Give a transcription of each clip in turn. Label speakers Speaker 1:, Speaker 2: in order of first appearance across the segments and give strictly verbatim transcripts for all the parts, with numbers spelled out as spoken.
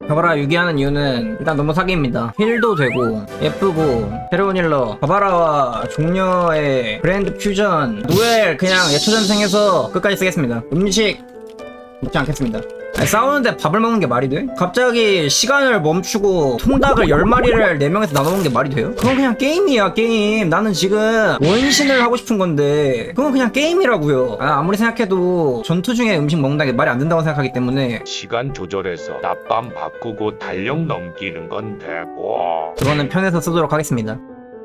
Speaker 1: 바바라 유기하는 이유는 일단 너무 사기입니다. 힐도 되고 예쁘고 새로운 힐러 바바라와 종려의 브랜드 퓨전 노엘 그냥 예초전생해서 끝까지 쓰겠습니다. 음식 먹지 않겠습니다. 아니, 싸우는데 밥을 먹는 게 말이 돼? 갑자기 시간을 멈추고 통닭을 열 마리를 네 명에서 나눠 먹는 게 말이 돼요? 그건 그냥 게임이야 게임. 나는 지금 원신을 하고 싶은 건데 그건 그냥 게임이라고요. 아, 아무리 생각해도 전투 중에 음식 먹는다는 게 말이 안 된다고 생각하기 때문에
Speaker 2: 시간 조절해서 낮밤 바꾸고 달력 넘기는 건 되고.
Speaker 1: 그거는 편해서 쓰도록 하겠습니다.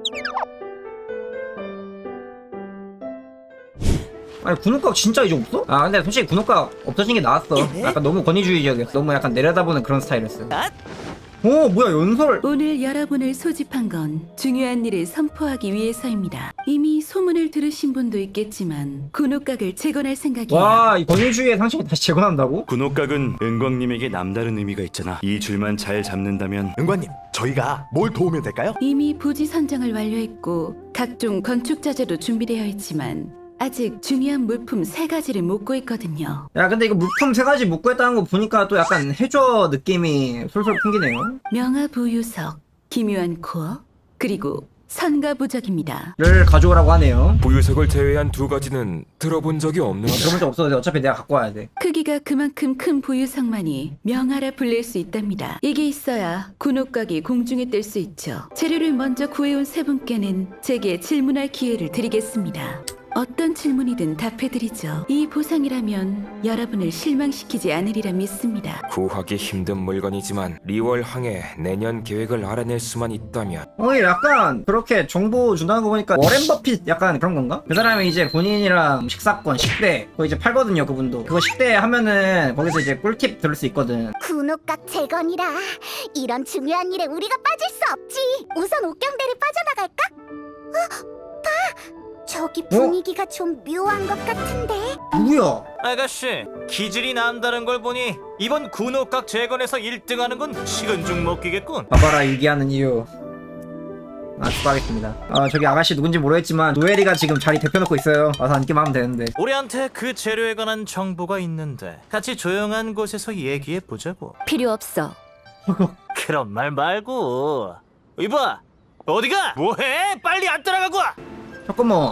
Speaker 1: 아니 군옥각 진짜 이제 없어? 아 근데 솔직히 군옥각 없어진 게 나았어. 약간 너무 권위주의적이었어. 너무 약간 내려다보는 그런 스타일이었어. 오 뭐야 연설.
Speaker 3: 오늘 여러분을 소집한 건 중요한 일을 선포하기 위해서입니다. 이미 소문을 들으신 분도 있겠지만 군옥각을 재건할 생각이에요.
Speaker 1: 와 이 권위주의의 상식을 다시 재건한다고?
Speaker 4: 군옥각은 은광님에게 남다른 의미가 있잖아. 이 줄만 잘 잡는다면
Speaker 5: 은관님, 저희가 뭘 도우면 될까요?
Speaker 3: 이미 부지 선정을 완료했고 각종 건축 자재도 준비되어 있지만 아직 중요한 물품 세 가지를 묻고 있거든요.
Speaker 1: 야 근데 이거 물품 세 가지 묶고 했다는 거 보니까 또 약간 해저 느낌이 솔솔 풍기네요.
Speaker 3: 명화부유석, 기묘한 코어, 그리고 선가부적입니다.
Speaker 1: 를 가져오라고 하네요.
Speaker 6: 부유석을 제외한 두 가지는 들어본 적이 없는.
Speaker 1: 들어본 적 없어도 어차피 내가 갖고 와야 돼.
Speaker 3: 크기가 그만큼 큰 부유석만이 명화라 불릴 수 있답니다. 이게 있어야 군옥각이 공중에 뜰 수 있죠. 재료를 먼저 구해온 세 분께는 제게 질문할 기회를 드리겠습니다. 어떤 질문이든 답해드리죠. 이 보상이라면 여러분을 실망시키지 않으리라 믿습니다.
Speaker 6: 구하기 힘든 물건이지만 리월항의 내년 계획을 알아낼 수만 있다면.
Speaker 1: 어 약간 그렇게 정보 준다는 거 보니까 워렌 버핏 약간 그런 건가? 그 사람이 이제 본인이랑 식사권 식대 그거 이제 팔거든요. 그분도 그거 식대 하면은 거기서 이제 꿀팁 들을 수 있거든.
Speaker 7: 군옥각 재건이라 이런 중요한 일에 우리가 빠질 수 없지. 우선 옥경대를 빠져나갈까? 어? 봐! 저기 분위기가 좀 묘한 것 같은데?
Speaker 1: 누구야?
Speaker 8: 아가씨, 기질이 남다른 걸 보니 이번 군옥각 재건에서 일 등하는 건 식은죽 먹기겠군.
Speaker 1: 바바라 유기하는 이유. 아 수고하겠습니다. 아 저기 아가씨 누군지 모르겠지만 노엘이가 지금 자리 대표놓고 있어요. 와서 앉기만 하면 되는데.
Speaker 8: 우리한테 그 재료에 관한 정보가 있는데 같이 조용한 곳에서 얘기해 보자고.
Speaker 3: 필요 없어.
Speaker 8: 그런 말 말고. 이봐, 어디가? 뭐해? 빨리 안 따라가고 와.
Speaker 1: 잠깐만.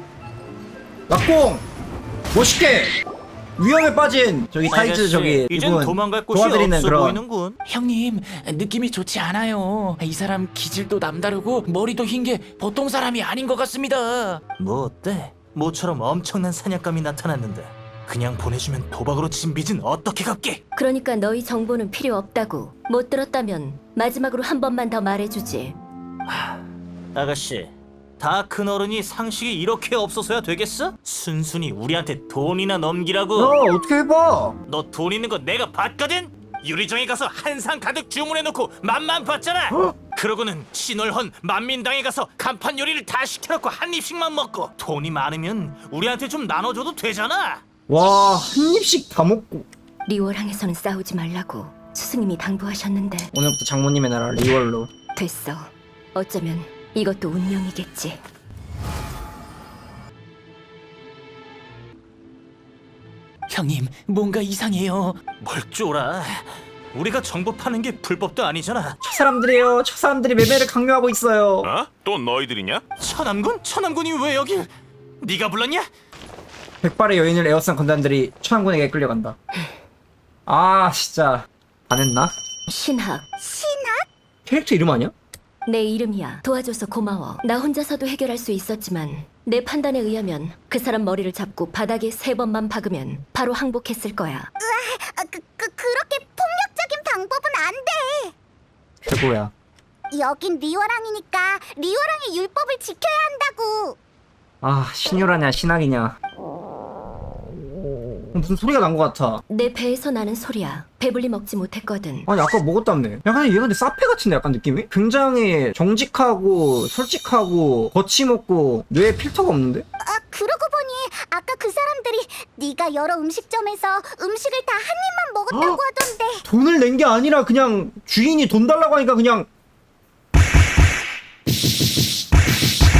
Speaker 1: 낙공 멋있게 위험에 빠진 저기 타이즈
Speaker 8: 아가씨,
Speaker 1: 저기
Speaker 8: 이젠
Speaker 1: 이분
Speaker 8: 도망갈 곳이
Speaker 1: 도와드리는
Speaker 8: 없어
Speaker 1: 그런.
Speaker 8: 보이는군.
Speaker 9: 형님, 느낌이 좋지 않아요. 이 사람 기질도 남다르고 머리도 흰 게 보통 사람이 아닌 것 같습니다.
Speaker 8: 뭐 어때? 모처럼 엄청난 사냥감이 나타났는데 그냥 보내주면 도박으로 진 빚은 어떻게 갚게?
Speaker 10: 그러니까 너희 정보는 필요 없다고. 못 들었다면 마지막으로 한 번만 더 말해주지.
Speaker 8: 아가씨, 다 큰 어른이 상식이 이렇게 없어서야 되겠어? 순순히 우리한테 돈이나 넘기라고.
Speaker 1: 야 어떻게 해봐.
Speaker 8: 너 돈 있는 거 내가 봤거든? 유리정에 가서 한 상 가득 주문해놓고 맛만 봤잖아. 그러고는 신월헌 만민당에 가서 간판 요리를 다 시켜놓고 한 입씩만 먹고 돈이 많으면 우리한테 좀 나눠줘도 되잖아.
Speaker 1: 와 한 입씩 다 먹고.
Speaker 10: 리월항에서는 싸우지 말라고 스승님이 당부하셨는데.
Speaker 1: 오늘부터 장모님의 나라 리월로.
Speaker 10: 됐어. 어쩌면 이것도 운명이겠지.
Speaker 9: 형님, 뭔가 이상해요.
Speaker 8: 뭘 쫄아. 우리가 정보 파는 게 불법도 아니잖아.
Speaker 1: 저 사람들이에요. 저 사람들이 매매를 강요하고 있어요.
Speaker 2: 어? 또 너희들이냐?
Speaker 8: 천암군? 천암군이 왜 여기? 네가 불렀냐?
Speaker 1: 백발의 여인을 에워싼 건단들이 천왕군에게 끌려간다. 아 진짜 안 했나?
Speaker 10: 신학.
Speaker 1: 캐릭터 이름 아니야?
Speaker 10: 내 이름이야. 도와줘서 고마워. 나 혼자서도 해결할 수 있었지만 내 판단에 의하면 그 사람 머리를 잡고 바닥에 세 번만 박으면 바로 항복했을 거야.
Speaker 7: 아, 그, 그, 그렇게 폭력적인 방법은 안 돼.
Speaker 1: 최고야.
Speaker 7: 여긴 리월항이니까 리월항의 율법을 지켜야 한다고.
Speaker 1: 아 신유라냐 신학이냐. 무슨 소리가 난 것 같아.
Speaker 10: 내 배에서 나는 소리야. 배불리 먹지 못했거든.
Speaker 1: 아니 아까 먹었다며. 약간 얘가 근데 사페 같은데 약간 느낌이? 굉장히 정직하고 솔직하고 거침없고 뇌에 필터가 없는데?
Speaker 7: 아, 그러고 보니 아까 그 사람들이 네가 여러 음식점에서 음식을 다 한 입만 먹었다고
Speaker 1: 어?
Speaker 7: 하던데.
Speaker 1: 돈을 낸 게 아니라 그냥 주인이 돈 달라고 하니까 그냥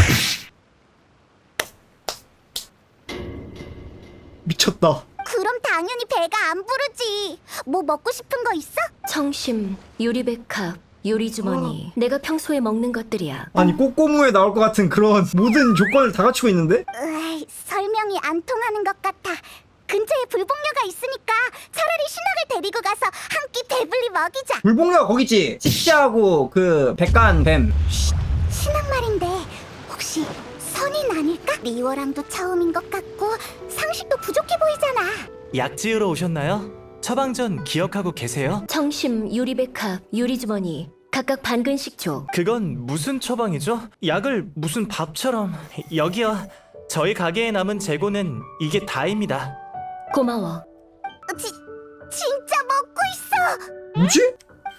Speaker 1: 미쳤다.
Speaker 7: 그럼 다 당연히 배가 안 부르지. 뭐 먹고 싶은 거 있어?
Speaker 10: 청심, 유리백합, 요리주머니. 내가 평소에 먹는 것들이야.
Speaker 1: 아니 꼬꼬무에 나올 것 같은 그런 모든 조건을 다 갖추고 있는데?
Speaker 7: 으이, 설명이 안 통하는 것 같아. 근처에 불복녀가 있으니까 차라리 신학을 데리고 가서 한 끼 배불리 먹이자.
Speaker 1: 불복녀가 거기지. 찌찌하고 그 백간 뱀.
Speaker 7: 신학 말인데 혹시 선인 아닐까? 리워랑도 처음인 것 같고 상식도 부족해 보이잖아.
Speaker 8: 약 지으러 오셨나요? 처방전 기억하고 계세요?
Speaker 10: 청심, 유리백합, 요리주머니. 각각 반 근씩 줘.
Speaker 8: 그건 무슨 처방이죠? 약을 무슨 밥처럼. 여기요. 저희 가게에 남은 재고는 이게 다입니다.
Speaker 10: 고마워.
Speaker 7: 지, 진짜 먹고 있어.
Speaker 1: 뭐지?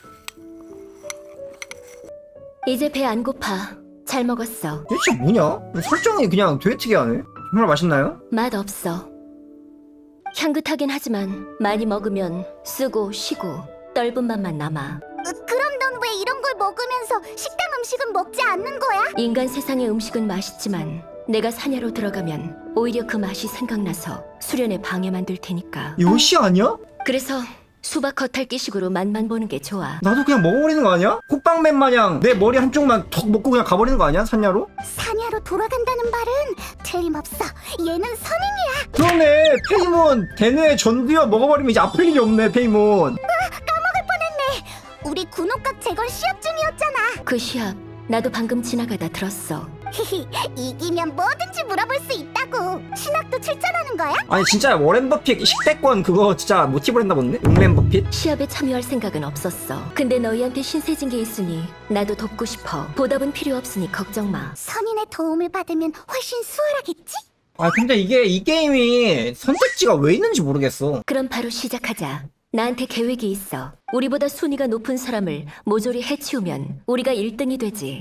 Speaker 10: 이제 배 안 고파. 잘 먹었어.
Speaker 1: 이게 진짜 뭐냐? 설정이 그냥 되게 특이하네. 정말 맛있나요?
Speaker 10: 맛 없어. 향긋하긴 하지만 많이 먹으면 쓰고 쉬고 떫은 맛만 남아.
Speaker 7: 으, 그럼 넌 왜 이런 걸 먹으면서 식당 음식은 먹지 않는 거야?
Speaker 10: 인간 세상의 음식은 맛있지만 내가 사냐로 들어가면 오히려 그 맛이 생각나서 수련에 방해만 될 테니까.
Speaker 1: 요시 아니야?
Speaker 10: 그래서 수박 겉핥기식으로 맛만 보는 게 좋아.
Speaker 1: 나도 그냥 먹어버리는 거 아니야? 콧방맨 마냥 내 머리 한쪽만 턱 먹고 그냥 가버리는 거 아니야? 산야로?
Speaker 7: 사냐로 돌아간다는 말은 틀림없어. 얘는 선인이야.
Speaker 1: 그러네. 페이몬 대뇌 전두엽 먹어버리면 이제 아플 일이 없네. 페이몬.
Speaker 7: 까먹을 뻔했네. 우리 군옥각 재건 시합 중이었잖아.
Speaker 10: 그 시합 나도 방금 지나가다 들었어.
Speaker 7: 히히, 이기면 뭐든지 물어볼 수 있다고. 신학도 출전하는 거야?
Speaker 1: 아니 진짜 워렌 버핏 식대권 그거 진짜 모티브로 했나 본데? 웅렌 버핏?
Speaker 10: 시합에 참여할 생각은 없었어. 근데 너희한테 신세진 게 있으니 나도 돕고 싶어. 보답은 필요 없으니 걱정 마.
Speaker 7: 선인의 도움을 받으면 훨씬 수월하겠지?
Speaker 1: 아 근데 이게 이 게임이 선택지가 왜 있는지 모르겠어.
Speaker 10: 그럼 바로 시작하자. 나한테 계획이 있어. 우리보다 순위가 높은 사람을 모조리 해치우면 우리가 일 등이 되지.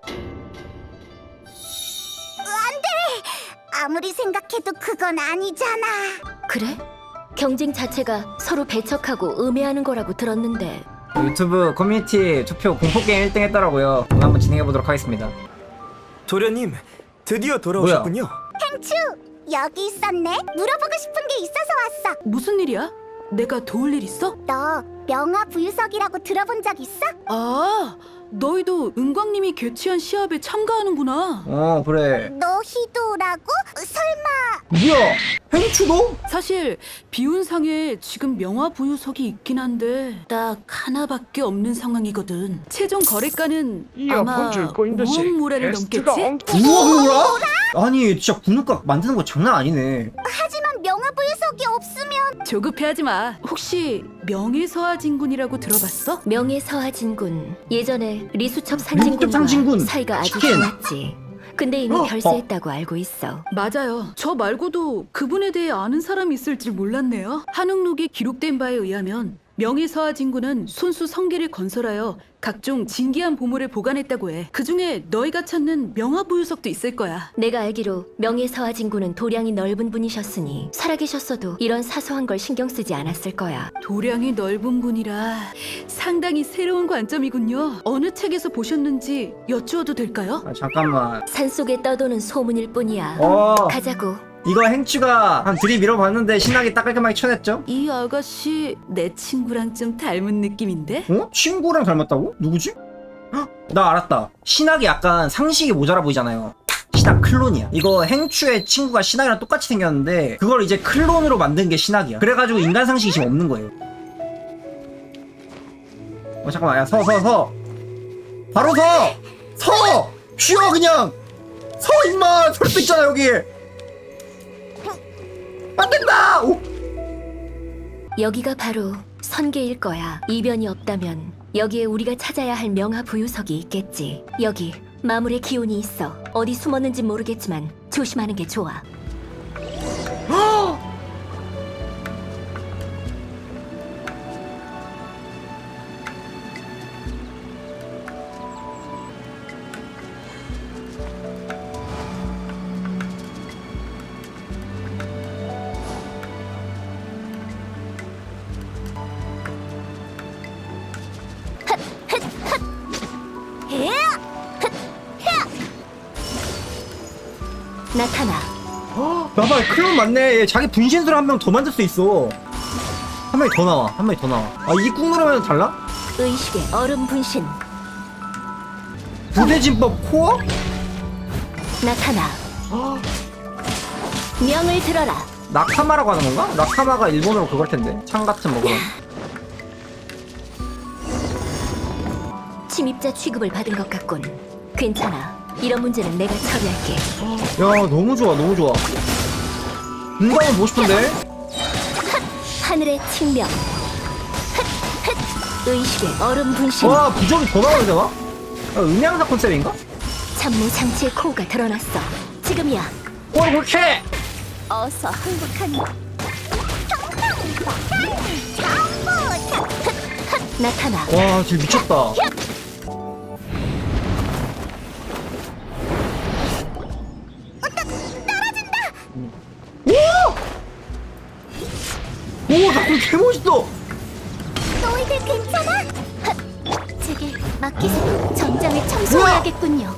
Speaker 7: 아무리 생각해도 그건 아니잖아.
Speaker 10: 그래? 경쟁 자체가 서로 배척하고 음해하는 거라고 들었는데.
Speaker 1: 유튜브 커뮤니티 투표 공포게임 일 등 했더라고요. 오늘 한번 진행해보도록 하겠습니다.
Speaker 8: 도련님, 드디어
Speaker 1: 돌아오셨군요.
Speaker 7: 행추, 여기 있었네. 물어보고 싶은 게 있어서 왔어.
Speaker 3: 무슨 일이야? 내가 도울 일 있어?
Speaker 7: 너 명화부유석이라고 들어본 적 있어?
Speaker 3: 아, 너희도 은광님이 개최한 시합에 참가하는구나.
Speaker 1: 어 그래.
Speaker 7: 너 희도라고? 설마
Speaker 1: 뭐야? 행추도?
Speaker 3: 사실 비운상에 지금 명화부유석이 있긴 한데 딱 하나밖에 없는 상황이거든. 최종 거래가는 아마 오억 모래를 넘겠지?
Speaker 1: 우와 뭐라? 아니 진짜 군옥각 만드는 거 장난 아니네.
Speaker 7: 하지만 명화부유석이 없으면
Speaker 3: 조급해하지 마. 혹시 명예서하진군이라고 들어봤어?
Speaker 10: 명예서하진군. 예전에 리수첩
Speaker 1: 리수첩
Speaker 10: 상진군과
Speaker 1: 상진군.
Speaker 10: 사이가 아주
Speaker 1: 치킨.
Speaker 10: 좋았지. 근데 이미
Speaker 1: 어,
Speaker 10: 별세했다고 알고 있어.
Speaker 3: 맞아요. 저 말고도 그분에 대해 아는 사람이 있을 줄 몰랐네요. 한옥록에 기록된 바에 의하면 명예서하진군은 손수 성계를 건설하여 각종 진귀한 보물을 보관했다고 해. 그중에 너희가 찾는 명화부유석도 있을 거야.
Speaker 10: 내가 알기로 명예서하진군은 도량이 넓은 분이셨으니 살아계셨어도 이런 사소한 걸 신경 쓰지 않았을 거야.
Speaker 3: 도량이 넓은 분이라 상당히 새로운 관점이군요. 어느 책에서 보셨는지 여쭈어도 될까요?
Speaker 1: 아 잠깐만.
Speaker 10: 산속에 떠도는 소문일 뿐이야.
Speaker 1: 어
Speaker 10: 가자고.
Speaker 1: 이거 행추가 한 들이밀어봤는데 신학이 딱 깔끔하게 쳐냈죠?
Speaker 3: 이 아가씨 내 친구랑 좀 닮은 느낌인데?
Speaker 1: 어? 친구랑 닮았다고? 누구지? 헉, 나 알았다. 신학이 약간 상식이 모자라 보이잖아요. 신학 클론이야. 이거 행추의 친구가 신학이랑 똑같이 생겼는데 그걸 이제 클론으로 만든 게 신학이야. 그래가지고 인간 상식이 지금 없는 거예요. 어 잠깐만 야 서 서 서 바로 서! 서! 쉬어 그냥! 서 임마! 설 수 있잖아 여기! 안 된다! 오!
Speaker 10: 여기가 바로 선계일 거야. 이변이 없다면 여기에 우리가 찾아야 할 명화부유석이 있겠지. 여기 마물의 기운이 있어. 어디 숨었는지 모르겠지만 조심하는 게 좋아. 나타나.
Speaker 1: 봐봐 클론 맞네. 얘 자기 분신술 한 명 더 만들 수 있어. 한 마리 더 나와. 한 마리 더 나와. 아 이게 꾹 누르면 달라?
Speaker 10: 의식의 얼음 분신
Speaker 1: 부대진법 코어?
Speaker 10: 나타나. 명을 들어라.
Speaker 1: 나카마라고 하는 건가? 나카마가 일본어로 그걸 텐데. 창 같은 뭐 그런.
Speaker 10: 침입자 취급을 받은 것 같군. 괜찮아. 이런 문제는 내가 처리할게.
Speaker 1: 야 너무 좋아 너무 좋아. 응답은 보고 싶은데?
Speaker 10: 하늘의 측명. 의식의 얼음 분신.
Speaker 1: 와 부적이 더 나와야 되나? 아, 음향사 컨셉인가?
Speaker 10: 참모 장치의 코어가 드러났어. 지금이야.
Speaker 1: 어 그렇게!
Speaker 7: 어서 항복하니.
Speaker 10: 나타나.
Speaker 1: 와 진짜 미쳤다. 오! 나그 개멋있어!
Speaker 7: 너희들 괜찮아? 제게 맡기세요. 전장을 청소해야겠군요.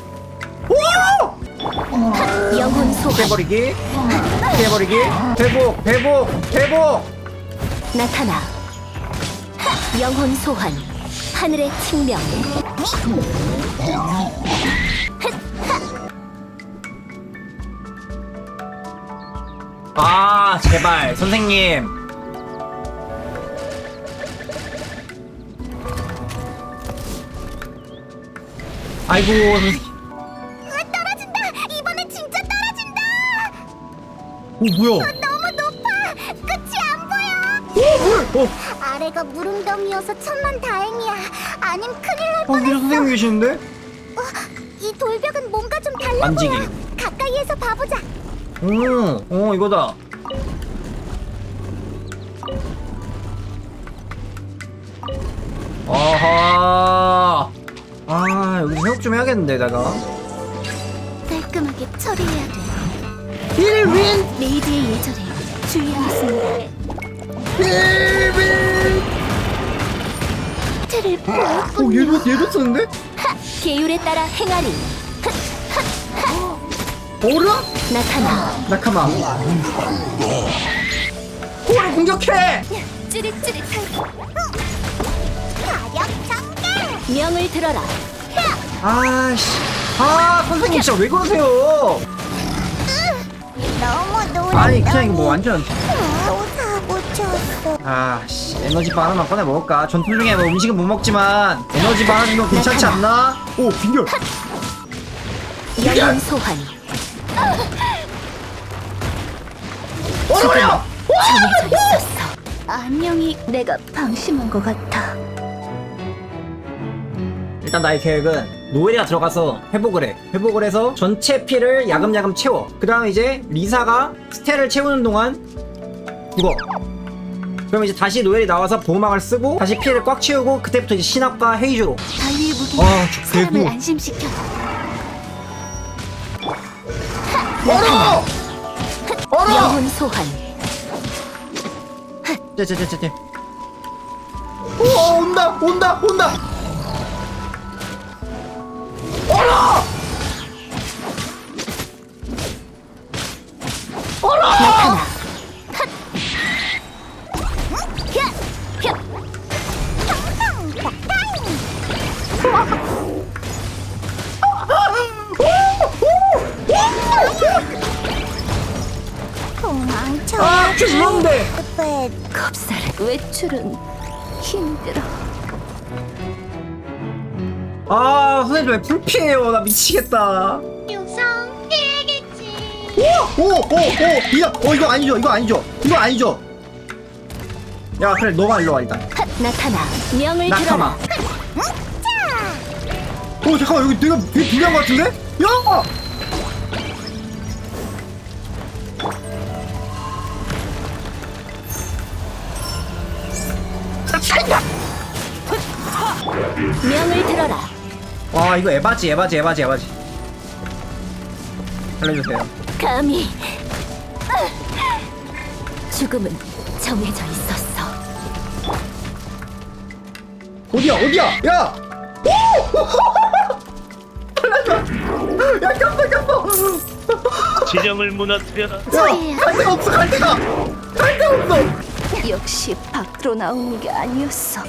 Speaker 10: 영혼 소환.
Speaker 1: 깨버리기 깨버리기 회복 회복 회복.
Speaker 10: 나타나. 영혼 소환. 하늘의 측명.
Speaker 1: 아 제발 선생님. 아이고 선생님.
Speaker 7: 떨어진다. 이번엔 진짜 떨어진다.
Speaker 1: 오 뭐야?
Speaker 7: 너무 높아. 끝이 안 보여.
Speaker 1: 오 물! 어!
Speaker 7: 아래가 물웅덩이여서 천만 다행이야. 아님 큰일 날
Speaker 1: 어 위로
Speaker 7: 뻔했어.
Speaker 1: 선생님 계시는데?
Speaker 7: 이 돌벽은 뭔가 좀 달라
Speaker 1: 만지기.
Speaker 7: 보여. 가까이에서 봐보자.
Speaker 1: 오, 어 이거다. 아하. 아 여기 회복 좀 해야겠는데 내가.
Speaker 7: 깔끔하게 처리해야 돼.
Speaker 1: 힐윈
Speaker 7: 레이드의 예절에 주의하겠습니다.
Speaker 1: 힐윈.
Speaker 7: 틀을
Speaker 1: 오
Speaker 7: 보였군요.
Speaker 1: 얘도 얘도 쓰는데?
Speaker 10: 계율에 따라 행하리.
Speaker 1: 어라?
Speaker 10: 나타나.
Speaker 1: 나카마. 코어를 공격해.
Speaker 7: 찌릿찌릿하고. 가력 전개.
Speaker 10: 명을 들어라.
Speaker 1: 아씨. 아 선생님 진짜 왜 그러세요?
Speaker 7: 너무 놀랐다.
Speaker 1: 아니 그냥 이거 뭐 완전.
Speaker 7: 또다 묻혔어.
Speaker 1: 아씨 에너지바 하나만 꺼내 먹을까? 전투 중에 뭐 음식은 못 먹지만 에너지바 하나는 괜찮지 않나? 오 빈결.
Speaker 10: 영혼 소환.
Speaker 1: 어려워.
Speaker 10: 정해져 있었어.
Speaker 7: 안녕히 내가 방심한 것 같아.
Speaker 1: 일단 나의 계획은 노엘이가 들어가서 회복을 해. 회복을 해서 전체 피를 야금야금 채워. 그 다음에 이제 리사가 스텔을 채우는 동안 죽어. 그럼 이제 다시 노엘이 나와서 보호막을 쓰고 다시 피를 꽉 채우고 그때부터 이제 신압과 헤이즈로.
Speaker 7: 바위의 무기가
Speaker 1: 아, 저
Speaker 7: 사람을
Speaker 1: 개구.
Speaker 7: 안심시켜.
Speaker 1: 얼어! 얼어!
Speaker 10: 영혼 소환.
Speaker 1: 쟤쟤쟤쟤쟤. 오 온다 온다 온다. 얼어! 얼어!
Speaker 10: 나타나.
Speaker 7: 도망쳐.
Speaker 1: 아 죄송한데.
Speaker 7: 왜
Speaker 10: 겁살. 외출은
Speaker 7: 힘들어.
Speaker 1: 아 선생님 왜 불피해요? 나 미치겠다.
Speaker 7: 유성 피해겠지.
Speaker 1: 오오오오 이거 어 이거 아니죠 이거 아니죠 이거 아니죠. 야 그래 너가 일로 와 일단.
Speaker 10: 나타나. 명을
Speaker 1: 나카마.
Speaker 10: 들어라.
Speaker 1: 오 잠깐만 여기 내가 되게 불리한 것 같은데? 야!
Speaker 10: 명을 들어라.
Speaker 1: 와 이거 에바지 에바지 에바지 에바지. 살려주세요.
Speaker 10: 감히. 죽음은 정해져 있었어.
Speaker 1: 어디야 어디야 야! 오! 살려줘. 야 꼈어 꼈어.
Speaker 2: 지령을 무너뜨려라.
Speaker 1: 야갈 데가 없어 갈 데가 갈 데가 없어.
Speaker 10: 역시 밖으로 나오는 게 아니었어.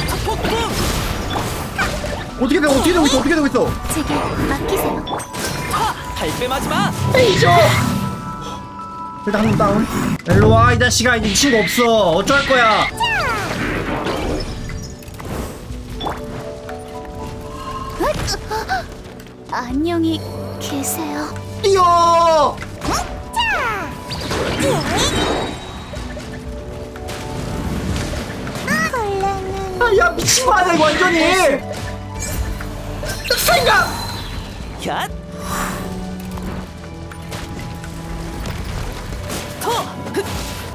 Speaker 1: 어떻게 돼 어떻게 되고 있어 어떻게 되고 있어
Speaker 7: 제게 맡기세요.
Speaker 9: 발뺌하지 마.
Speaker 1: 일단 한 명 다운. 일로와 이 자식아. 이제 이 친구 없어. 어쩔 거야.
Speaker 7: 안녕히 계세요.
Speaker 1: 뛰어.
Speaker 7: 벌레는
Speaker 1: 아, 야 미친 거 아니야 이거 완전히. 생각.
Speaker 9: 야. 토. 흑.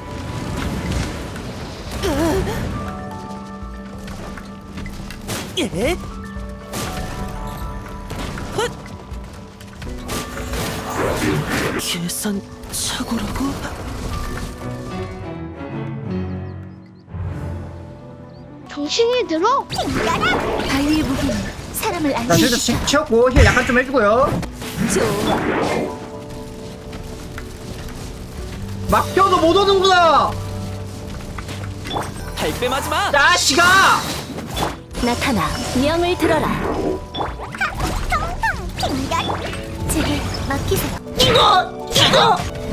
Speaker 9: 예. 헛. 계산 착오라고?
Speaker 7: 정신이 들어? 바위의 무기는 사람을
Speaker 1: 나 실드
Speaker 7: 안심시켜.
Speaker 1: 채웠고 힐 약간 좀 해주고요.
Speaker 10: 좋아.
Speaker 1: 막혀도 못 오는구나.
Speaker 9: 발뺌하지 마.
Speaker 1: 자식아.
Speaker 10: 나타나. 명을 들어라.
Speaker 7: 제게 맡기세요.
Speaker 1: 이거 이거.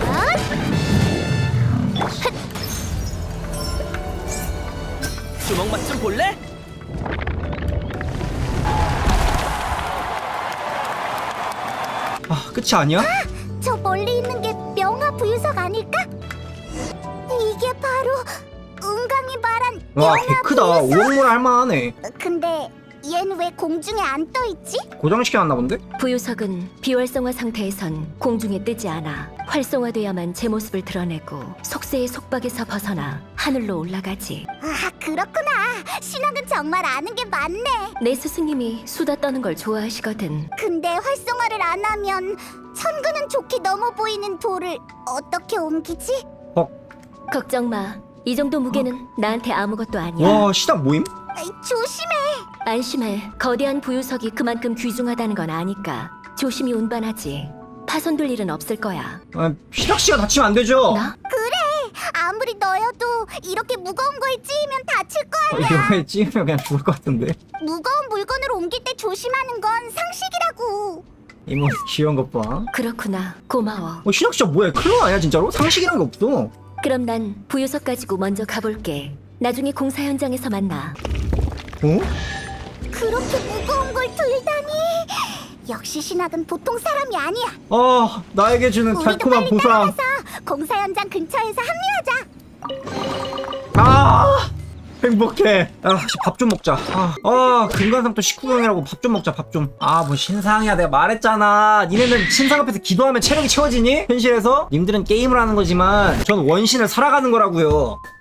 Speaker 9: 주먹 맛 좀 볼래?
Speaker 1: 아 끝이 아니야?
Speaker 7: 저 멀리 있는 게 명화 부유석 아닐까? 이게 바로 은강이 말한
Speaker 1: 와
Speaker 7: 명화
Speaker 1: 개크다.
Speaker 7: 부유석.
Speaker 1: 오억물 할만하네.
Speaker 7: 근데 얜 왜 공중에 안 떠 있지?
Speaker 1: 고정시켜놨나 본데?
Speaker 10: 부유석은 비활성화 상태에선 공중에 뜨지 않아. 활성화돼야만 제 모습을 드러내고 속세의 속박에서 벗어나 하늘로 올라가지.
Speaker 7: 아 그렇구나. 신학은 정말 아는 게 많네.
Speaker 10: 내 스승님이 수다 떠는 걸 좋아하시거든.
Speaker 7: 근데 활성화를 안 하면 천근은 좋게 넘어 보이는 돌을 어떻게 옮기지?
Speaker 10: 걱정 마. 이 정도 무게는 나한테 아무것도 아니야.
Speaker 1: 와 시작 모임?
Speaker 7: 아이, 조심해.
Speaker 10: 안심해. 거대한 부유석이 그만큼 귀중하다는 건 아니까 조심히 운반하지. 파손될 일은 없을 거야.
Speaker 1: 아, 시작 씨가 다치면 안 되죠?
Speaker 10: 나?
Speaker 7: 아무리 너여도 이렇게 무거운 거에 찌이면 다칠 거
Speaker 1: 어,
Speaker 7: 아니야.
Speaker 1: 이거에 찌으면 그냥 죽을 것 같은데.
Speaker 7: 무거운 물건을 옮길 때 조심하는 건 상식이라고.
Speaker 1: 이모 귀여운 것 봐.
Speaker 10: 그렇구나. 고마워.
Speaker 1: 어 시작 씨야 뭐야? 클로 아니야 진짜로? 상식이란 게 없어.
Speaker 10: 그럼 난 부유석 가지고 먼저 가볼게. 나중에 공사 현장에서 만나.
Speaker 1: 어?
Speaker 7: 그렇게 무거운 걸 들다니. 역시 신학은 보통 사람이 아니야.
Speaker 1: 아 나에게 주는
Speaker 7: 우리도
Speaker 1: 달콤한
Speaker 7: 빨리
Speaker 1: 보상.
Speaker 7: 따라가서 공사 현장 근처에서 합류하자.
Speaker 1: 아 행복해. 아밥 좀 먹자. 아, 아 금관상도 십구 경이라고 밥 좀 먹자 밥 좀. 아 뭐 신상이야 내가 말했잖아. 니네는 신상 앞에서 기도하면 체력이 채워지니? 현실에서? 님들은 게임을 하는 거지만 전 원신을 살아가는 거라고요.